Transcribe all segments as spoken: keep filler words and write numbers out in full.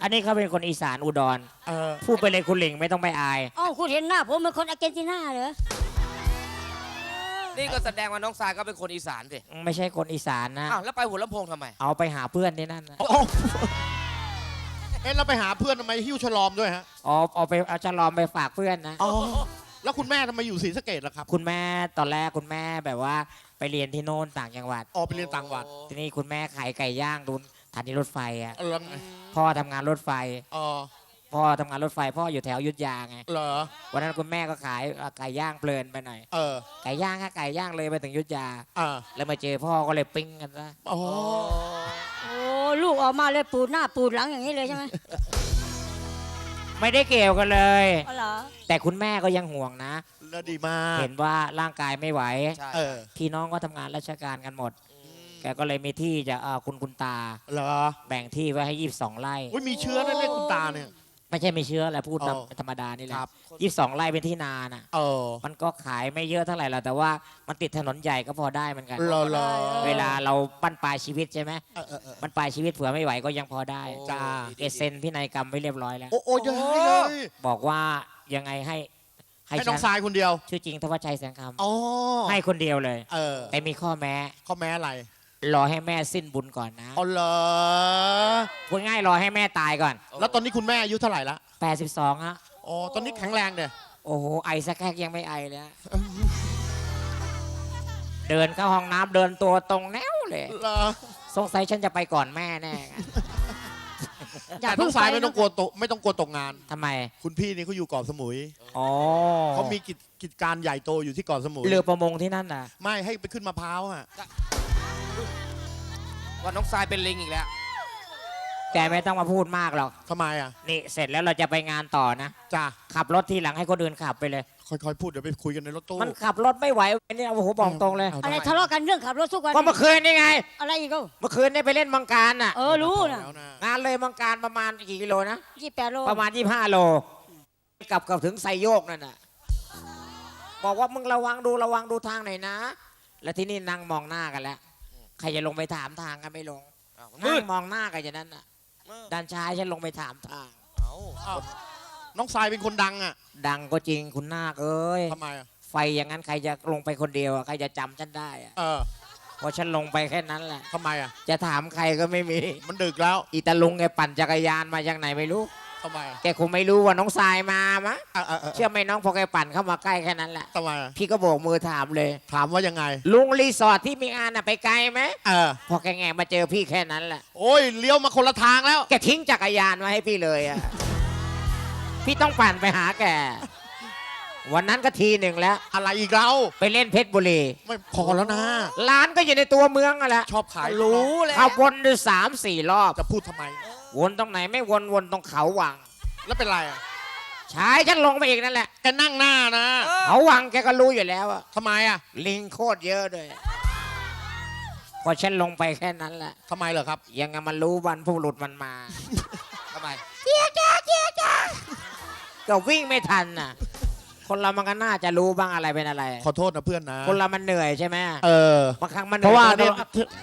อันนี้เขาเป็นคนอีสานอุดรเออพูดไปเลยคุณหลิงไม่ต้องไปอายอ๋อคุณเห็นหน้าผมเป็นคนอาร์เจนตินาเหรอนี่ก็แสดงว่าน้องทรายก็เป็นคนอีสานสิไม่ใช่คนอีสานนะอ้าวแล้วไปหัวลำโพงทำไมเอาไปหาเพื่อนที่นั่นนะเอ๊ะเราไปหาเพื่อนทำไมหิ้วฉลอมด้วยฮะอ๋อเอาไปเอาฉลอมไปฝากเพื่อนนะอ๋อแล้วคุณแม่ทำไมอยู่ศรีสะเกษล่ะครับคุณแม่ตอนแรกคุณแม่แบบว่าไปเรียนที่โน่นต่างจังหวัดอ๋อไปเรียนต่างจังหวัดทีนี้คุณแม่ขายไก่ย่างดูสถานีรถไฟอ่ะพ่อทำงานรถไฟอ๋อพ่อทำงานรถไฟพ่ออยู่แถวยุทธยาไงเหรอวันนั้นคุณแม่ก็ขายไก่ย่างเพลินไปหน่อยเออไก่ย่างค่ะไก่ย่างเลยไปถึงยุทธยาเออแล้วมาเจอพ่อก็เลยปิ้งกันซะโอ้โอ้ลูกออกมาเลยปูดหน้าปูดหลังอย่างนี้เลยใช่ไหมไม่ได้เกี่ยวกันเลยอ๋อเหรอแต่คุณแม่ก็ยังห่วงนะแล้วดีมากเห็นว่าร่างกายไม่ไหวพี่น้องก็ทำงานราชการกันหมดแกก็เลยมีที่จะคุณคุณตาเหรอแบ่งที่ไว้ให้ยี่สิบสองไร่มีเชื้อนั่นเลยคุณตาเนี่ยไม่ใช่ไม่เชื้อแหละพูดธรรมดานี่แหละยี่สิบสองไร่เป็นที่นาน่ะมันก็ขายไม่เยอะเท่าไหร่หรอกแต่ว่ามันติดถนนใหญ่ก็พอได้เหมือนกันเวลาเราปั้นปลายชีวิตใช่ไหมมันปลายชีวิตเผื่อไม่ไหวก็ยังพอได้จ้าเอเซนพินัยกรรมไว้เรียบร้อยแล้วโอ้โหยังไงเลยบอกว่ายังไงให้ให้น้องทรายคนเดียวชื่อจริงทวัชชัยแสงคำให้คนเดียวเลยแต่มีข้อแม้ข้อแม้อะไรรอให้แม่สิ้นบุญก่อนนะอ๋อเหรอพูดง่ายรอให้แม่ตายก่อนแล้วตอนนี้คุณแม่อายุเท่าไหร่ละแปดสิบสองฮะอ๋อตอนนี้แข็งแรงเนี่ยโอ้โหไอสักแค่ยังไม่ไอเลยเดินเข้าห้องน้ำเดินตัวตรงแนวเลยสงสัยฉันจะไปก่อนแม่แน่อย่าเพิ่งสายไม่ต้องกลัวตกไม่ต้องกลัวตกงานทำไมคุณพี่นี่เขาอยู่เกาะสมุยอ๋อเขามีกิจกิจการใหญ่โตอยู่ที่เกาะสมุยเรือประมงที่นั่นน่ะไม่ให้ไปขึ้นมะพร้าวอ่ะว่าน้องทรายเป็นลิงอีกแล้วแกไม่ต้องมาพูดมากหรอกทำไมอ่ะนี่เสร็จแล้วเราจะไปงานต่อนะจ้าขับรถทีหลังให้คนอื่นขับไปเลยค่อยๆพูดเดี๋ยวไปคุยกันในรถตู้มันขับรถไม่ไหวนี่โอ้โหบอกตรงเลยอะไรทะเลาะกันเรื่องขับรถทุกวันก็เมื่อคืนนี่ไงอะไรอีกก็เมื่อคืนนี่ไปเล่นมังการน่ะเออรู้นะงานเลยมังการประมาณกี่กิโลนะยี่สิบแปดโลประมาณยี่สิบห้าโลกลับกับถึงไซโยกนั่นน่ะบอกว่ามึงระวังดูระวังดูทางหน่อยนะแล้วที่นี่นั่งมองหน้ากันแล้วใครจะลงไปถามทางกันไม่ลงนั่งมองหน้ากันอย่างนั้นน่ะด้านชายฉันลงไปถามทางน้องทรายเป็นคนดังอ่ะดังก็จริงคุณนาคเอ้ยทำไมอ่ะไฟอย่างนั้นใครจะลงไปคนเดียวใครจะจำฉันได้อ่ะเออพอฉันลงไปแค่นั้นแหละทำไมอ่ะจะถามใครก็ไม่มีมันดึกแล้วอีตาลุงแกปั่นจักรยานมาจากไหนไม่รู้ทำไมแกคงไม่รู้ว่าน้องทรายมามะเชื่อไหมน้องพอแกปั่นเข้ามาใกล้แค่นั้นแหละทำไมพี่ก็โบกมือถามเลยถามว่ายังไงลุงรีสอร์ทที่มีงานน่ะไปไกลไหมเออพอแกแงมาเจอพี่แค่นั้นแหละโอ้ยเลี้ยวมาคนละทางแล้วแกทิ้งจักรยานมาให้พี่เลยอ่ะพี่ต้องปั่นไปหาแกวันนั้นก็ทีหนึ่งแล้วอะไรอีกเราไปเล่นเพชรบุรีไม่พอแล้วนะร้านก็อยู่ในตัวเมืองอ่ะแหละชอบขายรู้เลยขับวนดูสามสี่รอบจะพูดทำไมวนตรงไหนไม่วนวนตรงเขาวังแล้วเป็นไรอ่ะชายฉันลงไปอีกนั่นแหละแกนั่งหน้านะเขาวังแกก็รู้อยู่แล้วอ่ะทำไมอ่ะลิงโคตรเยอะด้วยพอฉันลงไปแค่นั้นแหละทำไมเหรอครับยังไงมันรู้วันผู้หลุดมันมาทำไมเจี๊ยจ้าเจี๊ยจ้าก็วิ่งไม่ทันน่ะคนเรามันก็น่าจะรู้บ้างอะไรเป็นอะไรขอโทษนะเพื่อนนะคนเรามันเหนื่อยใช่ไหมเออบางครั้งมันเพราะว่าเนี่ย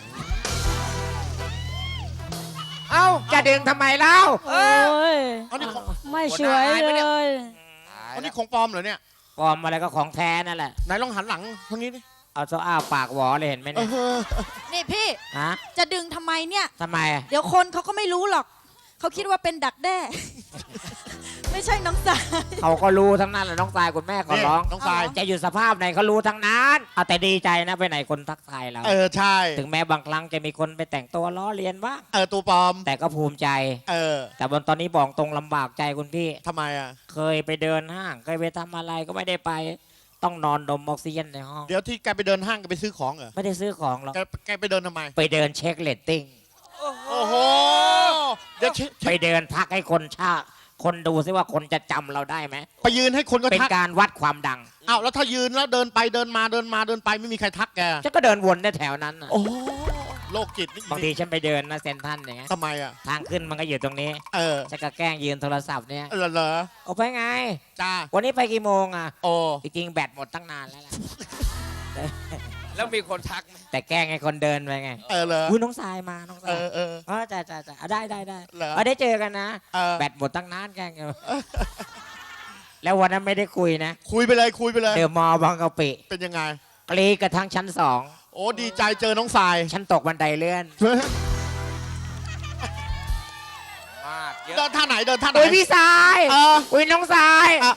เอ้าจะดึงทำไมเล่าโอ้ยไม่สวยเลยอันนี้ของปลอมเหรอเนี่ยปลอมอะไรก็ของแท้นั่นแหละไหนลองหันหลังทางนี้ดิเอาโซ่อ้าปากหวอเลยเห็นไหมเนี่ยนี่พี่ฮะจะดึงทำไมเนี่ยทำไมเดี๋ยวคนเขาก็ไม่รู้หรอกเขาคิดว่าเป็นดักแด้ไม่ใช่น้องทรายเขาก็รู้ทั้งนั้นแหละน้องทรายคุณแม่ขอร้องน้องทรายจะอยู่สภาพไหนเขารู้ทั้งนั้นเอาแต่ดีใจนะไปไหนคนทักทายเราเออใช่ถึงแม้บางครั้งจะมีคนไปแต่งตัวล้อเลียนบ้างเออตัวปลอมแต่ก็ภูมิใจเออแต่บนตอนนี้บอกตรงลำบากใจคุณพี่ทำไมอ่ะเคยไปเดินห้างเคยไปทำอะไรก็ไม่ได้ไปต้องนอนดมออกซิเจนในห้องเดี๋ยวที่แกไปเดินห้างแกไปซื้อของเหรอไม่ได้ซื้อของหรอกแกไปเดินทำไมไปเดินเช็คเรตติ้งโอ้โหเดี๋ยวไปเดินทักให้คนชาคนดูซิว่าคนจะจำเราได้ไหมไปยืนให้คนก็เป็นการวัดความดังอ้าวแล้วถ้ายืนแล้วเดินไปเดินมาเดินมาเดินไปไม่มีใครทักแกฉันก็เดินวนได้แถวนั้นโอ้โลกจิตบางทีฉันไปเดินนะเซนทันอย่างเงี้ยทำไมอ่ะทางขึ้นมันก็อยู่ตรงนี้เออฉันก็แกล้งยืนโทรศัพท์เนี่ยเหรอโอ้ไปไงจ้าวันนี้ไปกี่โมงอ่ะโอ้จริงๆแบตหมดตั้งนานแล้วล่ะแล้วมีคนทักไหมแต่แกล้งไอ้คนเดินไปไงเออเหรออุ้ยน้องทรายมาน้องทราเอย อเอออ๋อจ้าจ้าจ้าอ่ะได้ได้ได้เหรอเออได้เจอกันนะเออแบตหมดตั้งนานแกล้งกันแล้ววันนั้นไม่ได้คุยนะคุยไปเลยคุยไปเลยเดอะมอลล์บางกะปิเป็นยังไงกรีดกระทั่งชั้นสองโอ้ดีใจเจอน้องทรายฉันตกบันไดเลื่อนมากเยอะเดินท่าไหนเดินท่าไหนอุ้ยพี่ทรายเอออุ้ยน้องทรายอ่ะ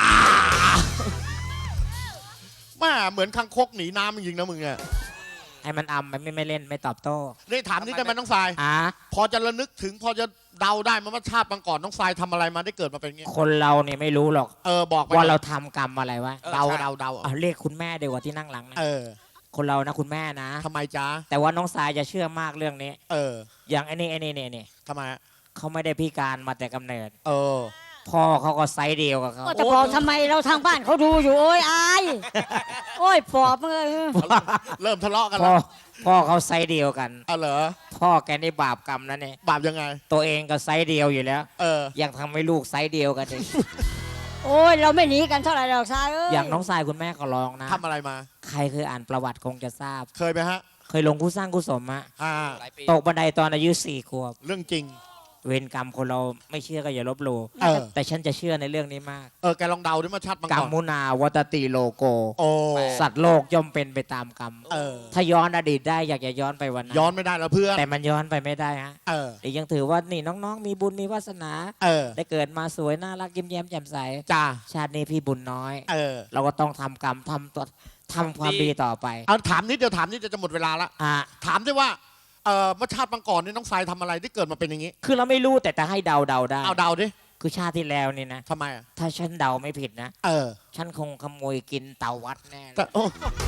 แม่เหมือนคังคกหนีน้ำจริงๆนะมึงเนี่ยให้มันอำมันไม่ไม่เล่นไม่ตอบโต้นี่ถามนี่ได้ไหมน้องทรายอ่ะพอจะระลึกถึงพอจะเดาได้ไหมาว่าชาติบางก่อนน้องทรายทำอะไรมาได้เกิดมาเป็นอย่างงี้คนเราเนี่ยไม่รู้หรอกเออบอกไปว่าเราทำกรรมอะไรวะออเดาใช่เดาเดาเอาเรียกคุณแม่ดีกว่าที่นั่งหลังนะเออคนเรานะคุณแม่นะทำไมจ๊ะแต่ว่าน้องทรายจะเชื่อมากเรื่องนี้เอออย่างไอ้นี่ไอ้นี่เนี่ยเนี่ยทำไมอะเขาไม่ได้พิการมาแต่กำเนิดเออพ่อเขาก็ไซส์เดียวกับเขาก็จะบอกทำไมเราทางบ้านเขาดูอยู่โอ้ยอายโอ้ยปอบเลยเริ่มทะเลาะกันพ่อแล้วพ่อเขาไซส์เดียวกันเอาเหรอพ่อแกนี่บาปกรรมนะเนี่ยบาปยังไงตัวเองก็ไซส์เดียวอยู่แล้วเออยังทำให้ลูกไซส์เดียวกันอีกโอ้ยเราไม่หนีกันเท่าไหร่หรอกชายเอ้ยอย่างน้องทรายคุณแม่ก็ลองนะทำอะไรมาใครเคยอ่านประวัติคงจะทราบเคยไหมฮะเคยลงคู่สร้างคู่สมอะอ่าหลายปีตกบันไดตอนอายุสี่ขวบเรื่องจริงเวรกรรมคนเราไม่เชื่อก็อย่าลบหลู่เออแต่ฉันจะเชื่อในเรื่องนี้มากเออ แกลองเดาดิมาชาติบางกรรก่อนมุนาวัตติโลโกโอ้สัตว์โลกย่อมเป็นไปตามกรรมเออถ้าย้อนอดีตได้อยากจะย้อนไปวันนั้นย้อนไม่ได้แล้วเพื่อนแต่มันย้อนไปไม่ได้ฮะเออแต่ยังถือว่านี่น้องๆ มีบุญมีวาสนาเออได้เกิดมาสวยน่ารักยิ้มแย้มแจ่มใสจ้าชาตินี้พี่บุญน้อยเออเราก็ต้องทำกรรมทำตัวทำความดีต่อไปเอาถามนิดเดียวถามนิดเดียวจะหมดเวลาละอ่ะถามด้วยว่า เออเมื่อชาติบางก่อนนี่น้องทรายทำอะไรที่เกิดมาเป็นอย่างนี้คือเราไม่รู้แต่จะให้เดาเดาได้เอาเดาดิคือชาติที่แล้วนี่นะทำไมอ่ะถ้าฉันเดาไม่ผิดนะเออฉันคงขโมยกินเต่าวัดแน่เลยแต่โอ้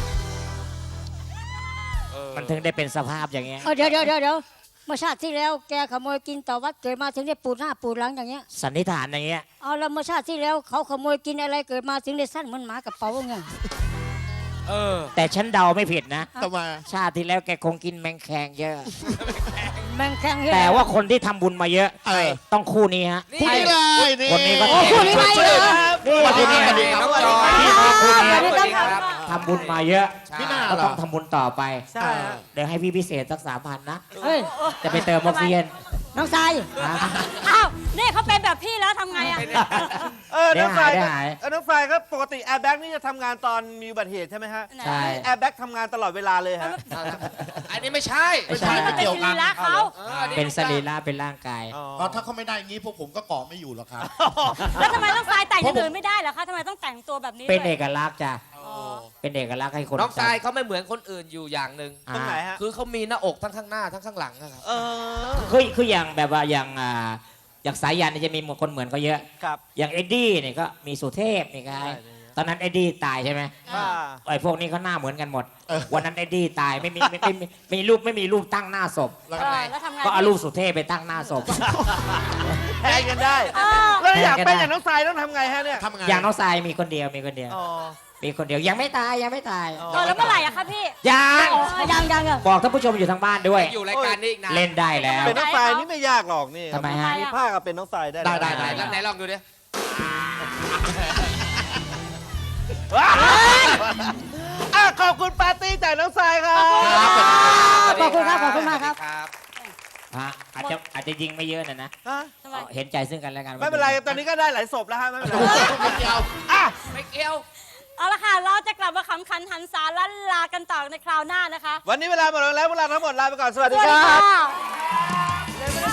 เออมันถึงได้เป็นสภาพอย่างเงี้ยเออเดี๋ยวเดี๋ยวเดี๋ยวเดี๋ยวเมื่อชาติที่แล้วแกขโมยกินต่อวัดเกิดมาถึงได้ปูดหน้าปูดหลังอย่างเงี้ยสันนิษฐานอย่างเงี้ยเอาแล้วเมื่อชาติที่แล้วเขาขโมยกินอะไรเกิดมาถึงได้สั้นเหมือนหมากระเป๋าไงเออแต่ฉันเดาไม่ผิดนะทำไมชาติที่แล้วแกคงกินแมงแคงเยอะแมงแข็งเหี้ยแต่ว่าคนที่ทำบุญมาเยอะเออต้องคู่นี้ฮะนี่คู่นี้เลยนี่คนนี้ก็โอ้คู่นี้ไหมเหรอนี่สวัสดีคู่ครันี้บน้องจอยนี่คู่นี้สวัสดีครับทำบุญมาเยอะพี่หน้าก็เหรต้อองทำบุญต่อไปใช่ฮะเดี๋ยวให้พี่พิเศษสักสามพันนะเฮ้ยจะไปเติมออกซิเจนน้องทรายนะอ้าวนี่เขาเป็นแบบพี่แล้วทำไงอ่ะเออเดี๋ยน้วองไฟหายเดี๋ยวครับหายเออน้องไฟครับปกติแอร์แบ็กนี่จะทำงานตอนมีอุบัติเหตุใช่ไหมฮะใช่แอร์แบ็กทำงานตลอดเวลาเลยฮะอันนี้ไม่ใช่ไม่ใช่ไม่เกี่ยวกันรักเขาอออัเป็นสรีระเป็นร่างกายอ๋อเพราะถ้าเขาไม่ได้อย่างนี้พวกผมก็เกาะไม่อยู่หรอกครับแล้วทำไมต้องทรายแต่งอย่างอื่นไม่ได้เหรอคะทำไมต้องแต่งตัวแบบนี้เป็นด้วยเอกลักษณ์จ้ะ เป็นเอกลักษณ์ให้คนน้องทรายจำเขาไม่เหมือนคนอื่นอยู่อย่างหนึ่งอ่าตรงไหนฮะคือเขามีหน้าอกทั้งข้างหน้าทั้งข้างหลังนะครับเออคือคืออย่างแบบว่าอย่างอ่าอย่างสายยันเนี่ยจะมีคนเหมือนก็เยอะครับอย่างเอ็ดดี้เนี่ยก็มีสุเทพนี่ไงใช่ตอนนั้นเอ็ดดี้ตายใช่ไหมอ่าไอ้พวกนี้เขาหน้าเหมือนกันหมดเออวันนั้นเอ็ดดี้ตายไม่มีไม่ไม่ไม่ไม่มีรูปไม่มีรูปตั้งหน้าศพแล้วเอก็อไหนแล้วทำไงก็เอารูปสุเทพไปตั้งหน้าศพแทนกันได้เออแล้วอยากเป็นแทนกันได้อย่างน้องทรายต้องทำไงฮะเนี่ยทำไงอย่างน้องทรายมีคนเดียวมีคนเดียวอ๋อมีคนเดียวยังไม่ตายยังไม่ตายอ๋อเออแล้วเมื่อไหร่อะคะพี่ยังอ๋อยังยังยังบอกท่านผู้ชมอยู่ทางบ้านด้วยอยู่รายการนี้อีกนานเล่นได้แล้วเป็นน้องทรายนี่ไม่ยากหรอกนี่ทำไมฮะมีผ้ากับเป็นน้องทรายได้ได้ได้ไหนได้แล้วไหนลองดูดิว้าวอ่ะขอบคุณปาร์ตี้จากน้องทรายครับขอบคุณครับขอบคุณมากครับสวัสดีครับฮะอาจจะอาจจะยิงไม่เยอะนะนะฮะทำไมเห็นใจซึ่งกันและกันไม่เป็นไรตอนนี้ก็ได้หลายศพแล้วฮะไม่เป็นไรไม่เกี่ยวอ่ะไม่เกี่ยวเอาละค่ะเราจะกลับมาขำขันหันสาลันลากันต่อในคราวหน้านะคะวันนี้เวลาหมดลงแล้วพวกเราทั้งหมดลาไปก่อนสวัสสดีวัสคดีรัค่ะบ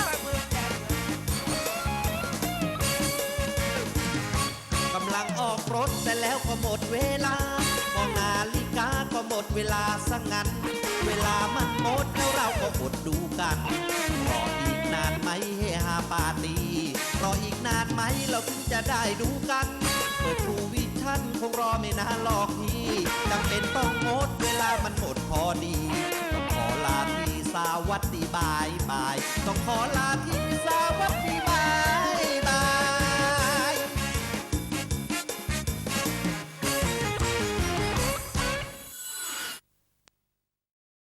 กำลังออกรถแต่แล้วก็หมดเวลามองนาฬิกาก็หมดเวลาสังงั้น เวลามันหมดแล้วเราก็อดดูกันรออีกนานไหมเฮฮาปาร์ตี้รออีกนานไหมเราถึงจะได้ดูกัน เปิดทูวิชั่นคงรอไม่นานหรอกพี่จำเป็นต้องงดเวลามันหมดพอดีต้องขอลาที่สวัสดีบายบายต้องขอลาที่สวัสดีบาย